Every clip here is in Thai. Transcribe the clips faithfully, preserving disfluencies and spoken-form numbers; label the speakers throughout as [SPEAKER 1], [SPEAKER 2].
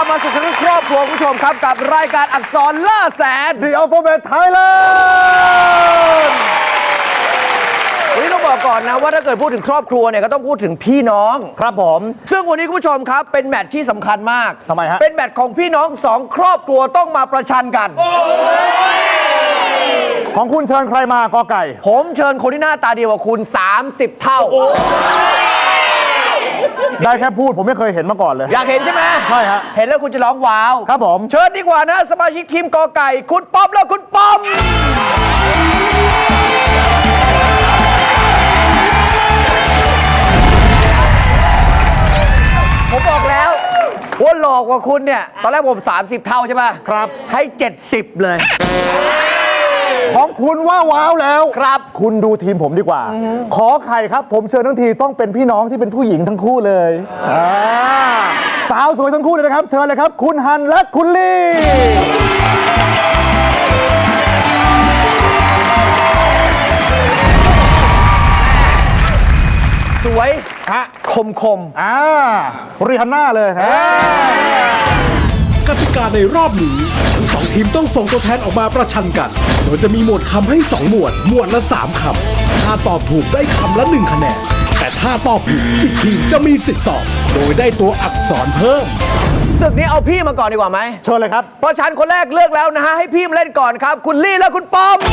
[SPEAKER 1] มาสู่ทั้งครอบครัวคุณผู้ชมครับกับรายการอักษรล่าแสน
[SPEAKER 2] The Alphabet Thailand
[SPEAKER 1] วันนี้ต้องบอกก่อนนะว่าถ้าเกิดพูดถึงครอบครัวเนี่ยก็ต้องพูดถึงพี่น้อง
[SPEAKER 2] ครับผม
[SPEAKER 1] ซึ่งวันนี้คุณผู้ชมครับเป็นแมตช์ที่สำคัญมาก
[SPEAKER 2] ทำไมฮะ
[SPEAKER 1] เป็นแมตช์ของพี่น้องสองครอบครัวต้องมาประชันกัน
[SPEAKER 2] ของคุณเชิญใครมากอไก่
[SPEAKER 1] ผมเชิญคนที่หน้าตาดีกว่าคุณสามสิบเท่า
[SPEAKER 2] ได้แค่พูดผมไม่เคยเห็นมาก่อนเลย
[SPEAKER 1] อยากเห็นใช่ไหม
[SPEAKER 2] ใช่ฮะ
[SPEAKER 1] เห็นแล้วคุณจะร้องว้าว
[SPEAKER 2] ครับผม
[SPEAKER 1] เชิญดีกว่านะสมาชิกทีมกอไก่ คุณป๊อปและคุณป้อม ผมบอกแล้วว่าหลอกกว่าคุณเนี่ย ตอนแรกผม สามสิบ เท่าใช่ป่ะ
[SPEAKER 2] ครับ
[SPEAKER 1] ให้ เจ็ดสิบ เลย
[SPEAKER 2] ของคุณว่าว้าวแล้ว
[SPEAKER 1] ครับ
[SPEAKER 2] คุณดูทีมผมดีกว่า ขอไข่ครับ ผมเชิญทั้งทีต้องเป็นพี่น้องที่เป็นผู้หญิงทั้งคู่เลยอ่าสาวสวยทั้งคู่เลยนะครับ เชิญเลยครับ คุณฮันและคุณลี่
[SPEAKER 1] สวย
[SPEAKER 2] ฮะ
[SPEAKER 1] คมคม
[SPEAKER 2] อ่าริฮันน่าเลยฮะ
[SPEAKER 3] กติกาในรอบนี้ทั้งสองทีมต้องส่งตัวแทนออกมาประชันกัน โดยจะมีหมวดคำให้สองหมวด หมวดละสามคำถ้าตอบถูกได้คำละหนึ่งคะแนน แต่ถ้าตอบผิดอีกทีมจะมีสิทธิ์ตอบ โดยได้ตัวอักษรเพิ่ม
[SPEAKER 1] ศึกนี้เอาพี่มาก่อนดีกว่าไหม
[SPEAKER 2] เชิญเลยครับ
[SPEAKER 1] เพราะฉันคนแรกเลือกแล้วนะฮะ ให้พี่มาเล่นก่อนครับ คุณลี่และคุณป้อม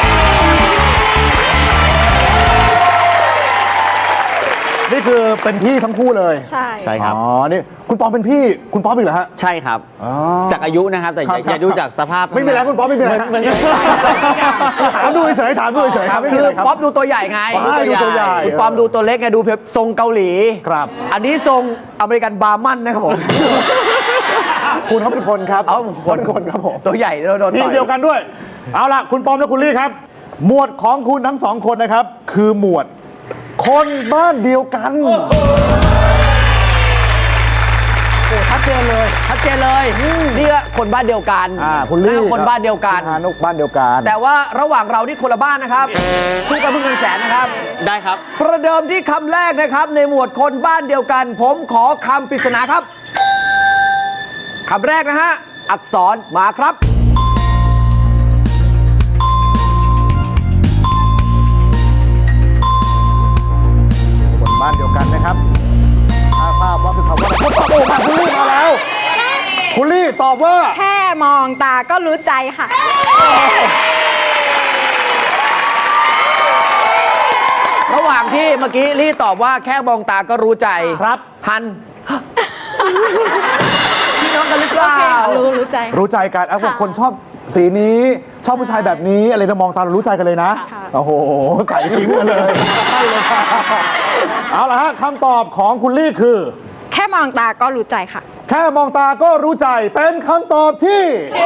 [SPEAKER 2] นี่คือเป็นพี่ทั้งคู่เลย
[SPEAKER 4] ใช่
[SPEAKER 5] ใช่ครับ
[SPEAKER 2] อ๋อ นี่คุณปอมเป็นพี่ คุณป๊อปอีกเหรอฮะ
[SPEAKER 5] ใช่ครับ
[SPEAKER 2] อ๋อ
[SPEAKER 5] จากอายุนะครับ แต่อย่า
[SPEAKER 2] ครับ
[SPEAKER 5] อย่าดูจากสภาพ
[SPEAKER 2] ไม่มีอะไรคุณป๊อปไม่มีอะไรครับถามดูเฉยๆถามดูเฉยๆครับไม่มี
[SPEAKER 1] คือ
[SPEAKER 2] อะไรครับ
[SPEAKER 1] ป๊อปดูตัวใหญ่ไง
[SPEAKER 2] ใช่ดูตัวใหญ่
[SPEAKER 1] คุณปอมดูตัวเล็กไงดูแบบทรงเกาหลี
[SPEAKER 2] ครับ
[SPEAKER 1] อันนี้ทรงอเมริกันบาร์มันนะครับผม
[SPEAKER 2] คุณเขาเป็นคนครับ
[SPEAKER 1] เอา
[SPEAKER 2] คนเป็นคนครับผม
[SPEAKER 1] ตัวใหญ่แล้วโดน
[SPEAKER 2] ที
[SPEAKER 1] ต่
[SPEAKER 2] ม
[SPEAKER 1] อย
[SPEAKER 2] เดียวกันด้วย เอาล่ะ คุณปอมและคุณลี่ครับ หมวดของคุณทั้งสองคนนะครับ คือหมวด คนบ้านเดียวกันโอ้ชัดเจนเลย
[SPEAKER 1] ชัดเจนเลยนี่ก็คนบ้านเดียวกัน
[SPEAKER 2] อ่าคุณลี่
[SPEAKER 1] แล้วคนบ้านเดียวกัน
[SPEAKER 2] ฮานุกบ้านเดียวกัน
[SPEAKER 1] แต่ว่าระหว่างเราที่คนละบ้านนะครับคู่กันเพิ่งเงินแสนนะครับ
[SPEAKER 5] ได้ครับ
[SPEAKER 1] ประเดิมที่คำแรกนะครับ ในหมวดคนบ้านเดียวกัน ผมขอคำปริศนาครับคำแรกนะฮะ อักษรมาครับ
[SPEAKER 2] คนบ้านเดียวกันนะครับถ้าทราบว่าคือคำว่าอะไรคุณตอบโอ้มาคุณลี่มาแล้ว คุณลี่ตอบว่า
[SPEAKER 4] แค่มองตาก็รู้ใจค่ะ
[SPEAKER 1] ระหว่างที่เมื่อกี้ลี่ตอบว่าแค่มองตาก็รู้ใจ
[SPEAKER 2] ครับ
[SPEAKER 1] ฮัน พี่น้องกันหรือเป
[SPEAKER 4] โอ
[SPEAKER 1] ล่า
[SPEAKER 4] เคค่ะรู้รู้ใจ
[SPEAKER 2] รู้ใจกันเอา
[SPEAKER 4] ค่ะ
[SPEAKER 2] คนชอบสีนี้ชอบผู้ชายแบบนี้อะไรเรามองตาเรารู้ใจกันเลยนะ
[SPEAKER 4] ค่ะ
[SPEAKER 2] โอ้โหใส่ทิ้งมาเลยใช่เลยค่ะเอาละฮะคำตอบของคุณลี่คือ
[SPEAKER 4] แค่มองตาก็รู้ใจค่ะ
[SPEAKER 2] แค่มองตาก็รู้ใจเป็นคำตอบที่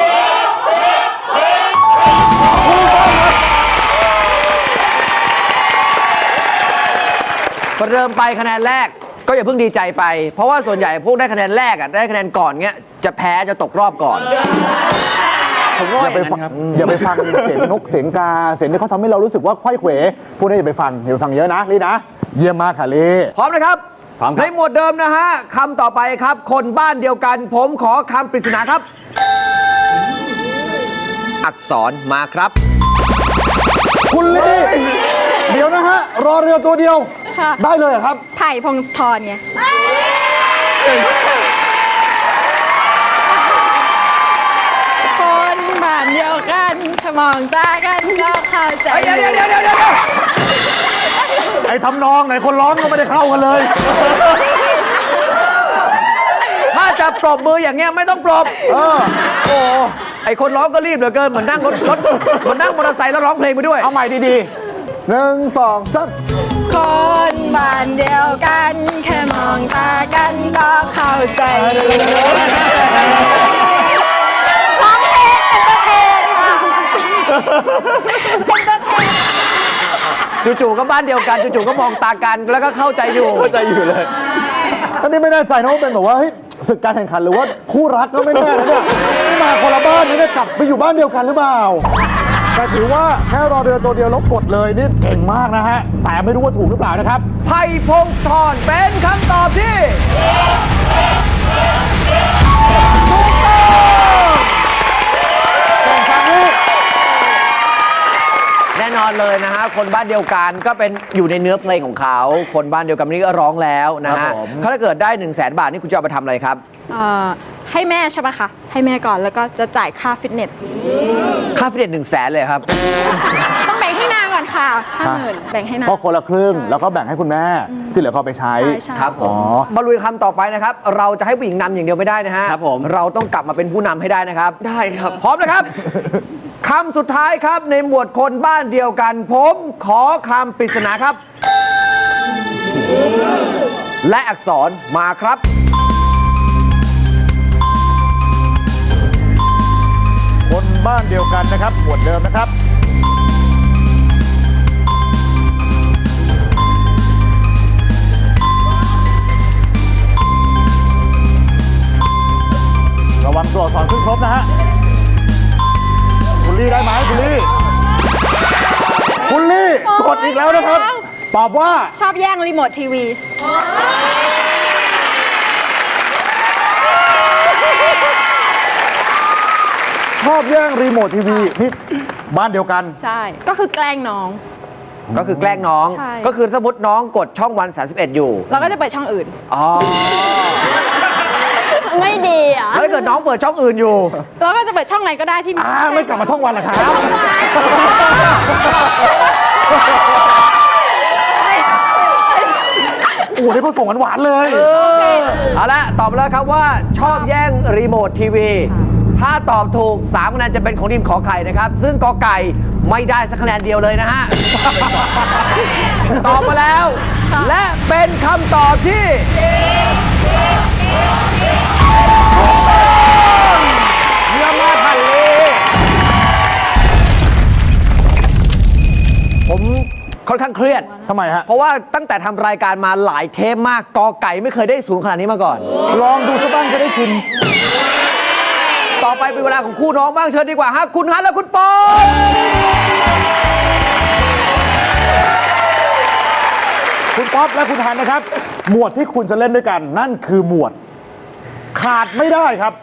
[SPEAKER 1] ประเดิมไปคะแนนแรกก็อย่าเพิ่งดีใจไป เพราะว่าส่วนใหญ่พวกได้คะแนนแรกอ่ะได้คะแนนก่อนเงี้ยจะแพ้จะตกรอบก่อน
[SPEAKER 5] ผมก็
[SPEAKER 2] อย่าไปฟังอย่าไปฟังเสียงนกเสียงกาเสียงที่เขาทำให้เรารู้สึกว่าไขว้เขวพวกนี้อย่าไปฟังอย่าไปฟังเยอะนะลี่นะเยี่ยมมากค่ะลี่
[SPEAKER 1] พร้อมนะครับ
[SPEAKER 5] พร้อมค
[SPEAKER 1] ใน
[SPEAKER 5] รับ
[SPEAKER 1] หมวดเดิมนะฮะคำต่อไปครับ คนบ้านเดียวกัน ผมขอคำปริศนาครับ อักษรมาครับ
[SPEAKER 2] คุณลี่เดี๋ยวนะฮะรอเรือตัวเดียว
[SPEAKER 4] ค่ะ
[SPEAKER 2] ได้เลยเหรอครับ
[SPEAKER 4] ไผ่พงศธรไงคนบ้านเดียวกันถ้ามองตากันก็เข้าใจ
[SPEAKER 1] เดี๋ยวเดี๋ยวเดี๋ยวเดี๋ยวเดี๋ยว
[SPEAKER 2] ไอ้ทำนองไหนคนร้องก็ไม่ได้เข้ากันเลย
[SPEAKER 1] ถ้าจะปรบมืออย่างเงี้ยไม่ต้องปรบ
[SPEAKER 2] เออ
[SPEAKER 1] โอ้ไอคนร้องก็รีบเหลือเกินเหมือนนั่งรถรถเหมือนนั่งมอเตอร์ไซค์แล้วร้องเพลงไปด้วย
[SPEAKER 2] เอาใหม่ดีๆหนึ่งสองสาม
[SPEAKER 4] คนบ้านเดียวกัน แค่มองตากันก็เข้าใจร้องเพลงเป็นประเพณค่ะเป็นประเพณ
[SPEAKER 1] จู่ๆก็บ้านเดียวกันจู่ๆก็มองตากันแล้วก็เข้าใจอยู่
[SPEAKER 2] เข้าใจอยู่เลยอันนี้ไม่แน่ใจนะว่าเป็นแบบว่าเฮ้ยศึกการแข่งขันหรือว่าคู่รักก็ไม่แน่นะเนี่ยมาคนละบ้านนี่เนี่ยกลับไปอยู่บ้านเดียวกันหรือเปล่าแต่ถือว่าแค่รอเรือตัวเดียวแล้วกดเลยนี่เก่งมากนะฮะแต่ไม่รู้ว่าถูกหรือเปล่านะครับ
[SPEAKER 1] ไผ่พงศธรเป็นคำตอบที่ดเลยนะฮะคนบ้านเดียวกันก็เป็นอยู่ในเนื้อเพลงของเขาคนบ้านเดียวกันนี่ก็ร้องแล้วนะ
[SPEAKER 2] ครั
[SPEAKER 1] ฮะ
[SPEAKER 2] บผม
[SPEAKER 1] ถ้าเกิดได้1นึ่งแสนบาทนี่คุณจะเอาไปทำอะไรครับ
[SPEAKER 4] เอ่อให้แม่ใช่ปะคะ ให้แม่ก่อนแล้วก็จะจ่ายค่าฟิตเนส
[SPEAKER 1] ค่าฟิตเนสหนึ่งแสนเลยครับ
[SPEAKER 4] ต้องแบ่งให้นางก่อนค่ะห้าหมื่นแบ่งให้นาง
[SPEAKER 2] ก็คนละครึ่งแล้วก็แบ่งให้คุณแม่ ที่เหลือก็เอาไปใช้
[SPEAKER 4] ใช่ใช่
[SPEAKER 1] ครับผ
[SPEAKER 2] อ๋
[SPEAKER 1] ม
[SPEAKER 2] อ
[SPEAKER 1] มาลุยคำต่อไปนะครับ เราจะให้ผู้หญิงนำอย่างเดียวไม่ได้นะฮะ
[SPEAKER 5] ครับผม
[SPEAKER 1] เราต้องกลับมาเป็นผู้นำให้ได้นะครับ
[SPEAKER 5] ได้ครับ
[SPEAKER 1] พร้อมนะครับ คำสุดท้ายครับในหมวดคนบ้านเดียวกัน ผมขอคำปริศนาครับ และอักษรมาครับ
[SPEAKER 2] คนบ้านเดียวกันนะครับหมวดเดิมนะครับ ระวังตัวอักษรขึ้นครบนะฮะ คุณลี่ได้ไหมคุณลี่ คุณลี่กดอีกแล้วนะครับ ตอบว่า
[SPEAKER 4] ชอบแย่งรีโมททีวี
[SPEAKER 2] ชอบแย่งรีโมททีวีนี่บ้านเดียวกัน
[SPEAKER 4] ใช่ ก็คือแกล้งน้อง
[SPEAKER 1] ก็คือแกล้งน้อง
[SPEAKER 4] ใช่
[SPEAKER 1] ก็คือสมมติน้องกดช่องวันสามสิบเอ็ดอยู่
[SPEAKER 4] เราก็จะเปิดช่องอื่น
[SPEAKER 1] อ๋อ
[SPEAKER 4] ไม่ดีอ่ะ
[SPEAKER 1] แล้วถ้าเกิดน้องเปิดช่องอื่นอยู่
[SPEAKER 4] เราก็จะเปิดช่องไหนก็ได้ที่
[SPEAKER 2] อ่าไม่กลับมาช่องวันเหรอครับ โอ้โหนี่ผสมหวานๆเลย
[SPEAKER 1] เอาละตอบมาแล้วครับว่าชอบแย่งรีโมททีวี ถ้าตอบถูกสามคะแนนจะเป็นของทีมขอไข่นะครับ ซึ่งกอไก่ไม่ได้สักคะแนนเดียวเลยนะฮะ ตอบมาแล้ว และเป็นคำตอบที่เยี่ยมมากค่ะลีผมค่อนข้างเครียด
[SPEAKER 2] ทำไมฮะ
[SPEAKER 1] เพราะว่าตั้งแต่ทำรายการมาหลายเทปมากกอไก่ไม่เคยได้สูงขนาดนี้มาก่อน
[SPEAKER 2] ลองดูสักบ้างจะได้ชิม
[SPEAKER 1] ต่อไปเป็นเวลาของคู่น้องบ้างเชิญดีกว่าฮะคุณฮันและคุณปอน
[SPEAKER 2] คุณป๊อปและคุณฮันนะครับ หมวดที่คุณจะเล่นด้วยกัน นั่นคือหมวด ขาดไม่ได้ครับ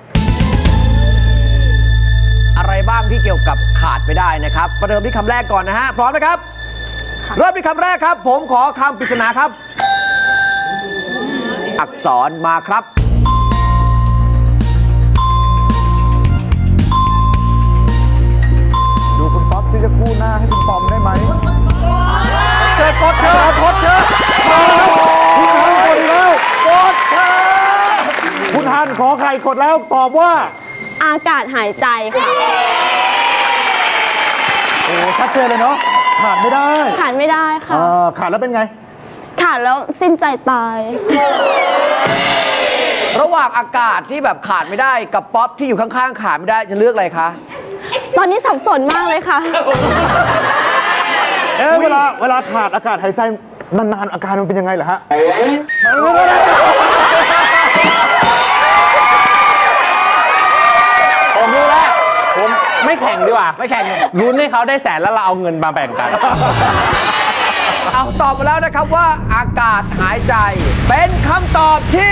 [SPEAKER 1] อะไรบ้างที่เกี่ยวกับขาดไม่ได้นะครับประเดิมที่คำแรกก่อนนะฮะพร้อมนะครับ เริ่มที่คำแรกครับ ผมขอคำปริศนาครับ อักษรมาครับ
[SPEAKER 2] ดูคุณป๊อปซิจะคู่หน้าให้คุณปอมได้ไหม
[SPEAKER 1] เกิดกดเธอกดเธอ
[SPEAKER 2] คุณฮันกดอีกแล้ว
[SPEAKER 1] กดเธอ
[SPEAKER 2] คุณฮันขอไข่กดแล้วตอบว่า
[SPEAKER 6] อากาศหายใจค่ะ
[SPEAKER 2] โอ้ชัดเจนเลยเนาะขาดไม่ได้
[SPEAKER 6] ขาดไม่ได้ค่ะ
[SPEAKER 2] อ่าขาดแล้วเป็นไง
[SPEAKER 6] ขาดแล้วสิ้นใจตาย
[SPEAKER 1] ระหว่างอากาศที่แบบขาดไม่ได้กับป๊อปที่อยู่ข้างๆขาดไม่ได้จะเลือกอะไรคะ
[SPEAKER 6] ตอนนี้สับสนมากเลยค่ะ
[SPEAKER 2] เอ๊ะเวลาเวลาขาดอากาศหายใจนานๆอาการมันเป็นยังไงเหรอฮะ
[SPEAKER 5] ผมรู้แล้ว ผมไม่แข่งดีกว่า
[SPEAKER 1] ไม่แข่ง
[SPEAKER 5] ลุ้นให้เขาได้แสนแล้วเราเอาเงินมาแบ่งกัน
[SPEAKER 1] เอาตอบมาแล้วนะครับว่าอากาศหายใจ เป็นคำตอบที่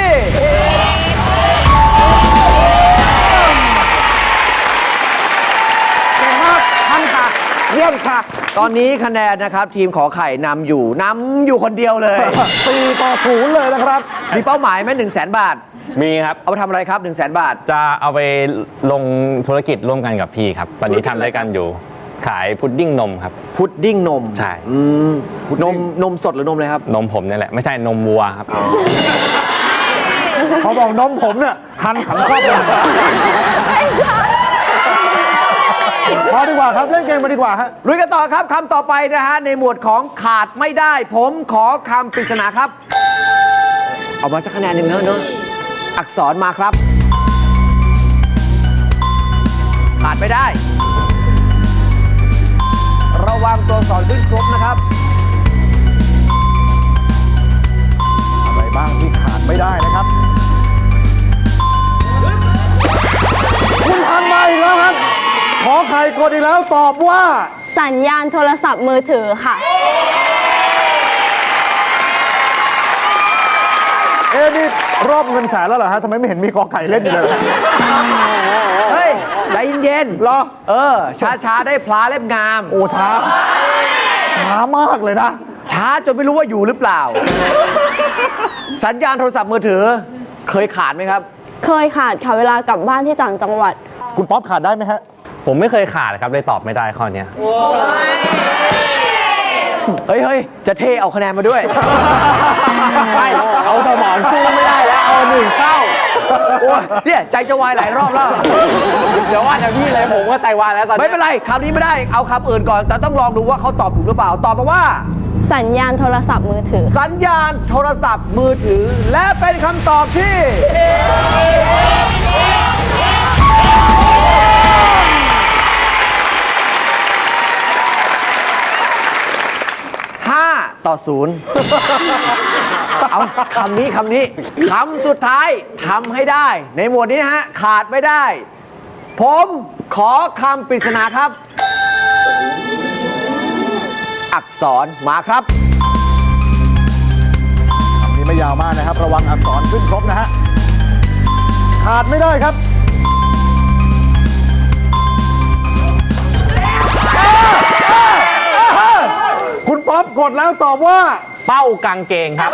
[SPEAKER 1] เก่งมากท่านค่ะเยี่ยมค่ะ ตอนนี้คะแนนนะครับ ทีมขอไข่นำอยู่นำอยู่คนเดียวเลย
[SPEAKER 2] สี่ต่อศูนย์เลยนะครับ
[SPEAKER 1] มีเป้าหมายไหมหนึ่งแสนบาท
[SPEAKER 5] มีครับ
[SPEAKER 1] เอาไปทำอะไรครับหนึ่งแสนบาท
[SPEAKER 5] จะเอาไปลงธุรกิจร่วมกันกับพี่ครับ ตอนนี้ทำด้วยกันอยู่ ขายพุดดิ้งนมครับ
[SPEAKER 1] พุดดิ้งนม
[SPEAKER 5] ใช่
[SPEAKER 1] อืมนมนมสดหรือนมอะไรครับ
[SPEAKER 5] นมผมนี่แหละ ไม่ใช่นมวัวครับ
[SPEAKER 2] เขาบอกน้องผมเนี่ยหันขันครอบเลยพอดีกว่าครับ เล่นเกมมาดีกว่าฮะ
[SPEAKER 1] ลุยกันต่อครับคำต่อไปนะฮะในหมวดของขาดไม่ได้ ผมขอคำปริศนาครับ เอามาสักคะแนนหนึ่งเนอะเนอะอักษรมาครับ ขาดไม่ได้ ระวังตัวอักษรขึ้นครบนะครับ
[SPEAKER 2] อะไรบ้างที่ขาดไม่ได้นะครับ คุณทันมาอีกแล้วครับ ขอไข่กดอีกแล้วตอบว่า
[SPEAKER 6] สัญญาณโทรศัพท์มือถือค่ะ
[SPEAKER 2] เอ๊ะนี่รอบเงินแสนแล้วเหรอฮะทำไมไม่เห็นมีกอไก่เล่นอยู่เลย
[SPEAKER 1] เฮ้ย ใจเย็นๆ
[SPEAKER 2] เหรอ
[SPEAKER 1] เออ ช้าๆ ได้พลาเล่มงาม
[SPEAKER 2] โอ้ช้าช้ามากเลยนะ
[SPEAKER 1] ช้าจนไม่รู้ว่าอยู่หรือเปล่า สัญญาณโทรศัพท์มือถือเคยขาดไหมครับ
[SPEAKER 6] เคยขาดค่ะเวลากลับบ้านที่ต่างจังหวัด
[SPEAKER 2] คุณป๊อปขาดได้ไหมฮะ
[SPEAKER 5] ผมไม่เคยขาดครับเลยตอบไม่ได้ข้อเนี้ย
[SPEAKER 1] เฮ้ยเฮ้ยจะเทเอาคะแนนมาด้วย
[SPEAKER 5] ไม่เอาสมองสู้ไม่ได้แล้วเอาหนึ่งเข้า
[SPEAKER 1] โอ้ยเนี่ยใจจะวายหลายรอบแล้ว
[SPEAKER 5] เดี๋ยวว่าแต่พี่เลยผมก็ใจวายแล้วตอนนี้
[SPEAKER 1] ไม่เป็นไรคำนี้ไม่ได้เอาคำอื่นก่อน แต่ต้องลองดูว่าเขาตอบถูกหรือเปล่า ตอบมาว่า
[SPEAKER 6] สัญญาณโทรศัพท์มือถือ
[SPEAKER 1] สัญญาณโทรศัพท์มือถือ และเป็นคำตอบที่ ห้าต่อศูนย์เอาคำนี้คำนี้คำสุดท้ายทำให้ได้ ในหมวดนี้นะฮะ ขาดไม่ได้ ผมขอคำปริศนาครับ อักษรมาครับ
[SPEAKER 2] คำนี้ไม่ยาวมากนะครับ ระวังอักษรขึ้นครบนะฮะ ขาดไม่ได้ครับ คุณป๊อปกดแล้วตอบว่า
[SPEAKER 5] เป้ากางเกงครับ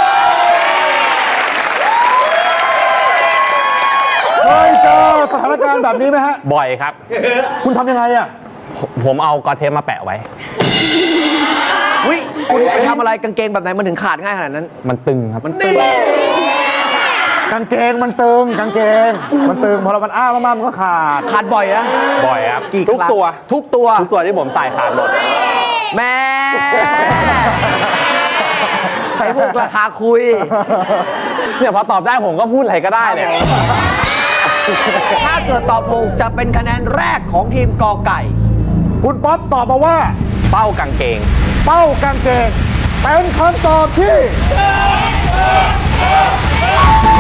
[SPEAKER 2] เคยเจอสถานการณ์แบบนี้ไหมฮะ
[SPEAKER 5] บ่อยครับ
[SPEAKER 2] คุณทำยังไงอ่ะ
[SPEAKER 5] ผมผมเอากอเทปมาแปะไว้
[SPEAKER 1] อุ้ยคุณไปทำอะไรกางเกงแบบไหนมันถึงขาดง่ายขนาดนั้น
[SPEAKER 5] มันตึงครับ
[SPEAKER 1] มันตึง
[SPEAKER 2] กางเกงมันตึงกางเกง มันตึงพอเรามันอ้ามากๆมันก็ขาด
[SPEAKER 1] ขาดบ่อยอะ
[SPEAKER 5] บ่อยครับ
[SPEAKER 1] กี่
[SPEAKER 5] ทุก
[SPEAKER 1] ครั้ง
[SPEAKER 5] ตัว
[SPEAKER 1] ทุกตัว
[SPEAKER 5] ทุกตัวที่ผมใส่ขาดหมด
[SPEAKER 1] แม่ใช้พวกราคาคุย
[SPEAKER 5] เนี่ยพอตอบได้ผมก็พูดอะไรก็ได้เนี่ย
[SPEAKER 1] ถ้าเกิดตอบถูกจะเป็นคะแนนแรกของทีมกอไก่
[SPEAKER 2] คุณป๊อปตอบมาว่า
[SPEAKER 5] เป้ากางเกง
[SPEAKER 2] เป้ากางเกงเป็นคำตอบที่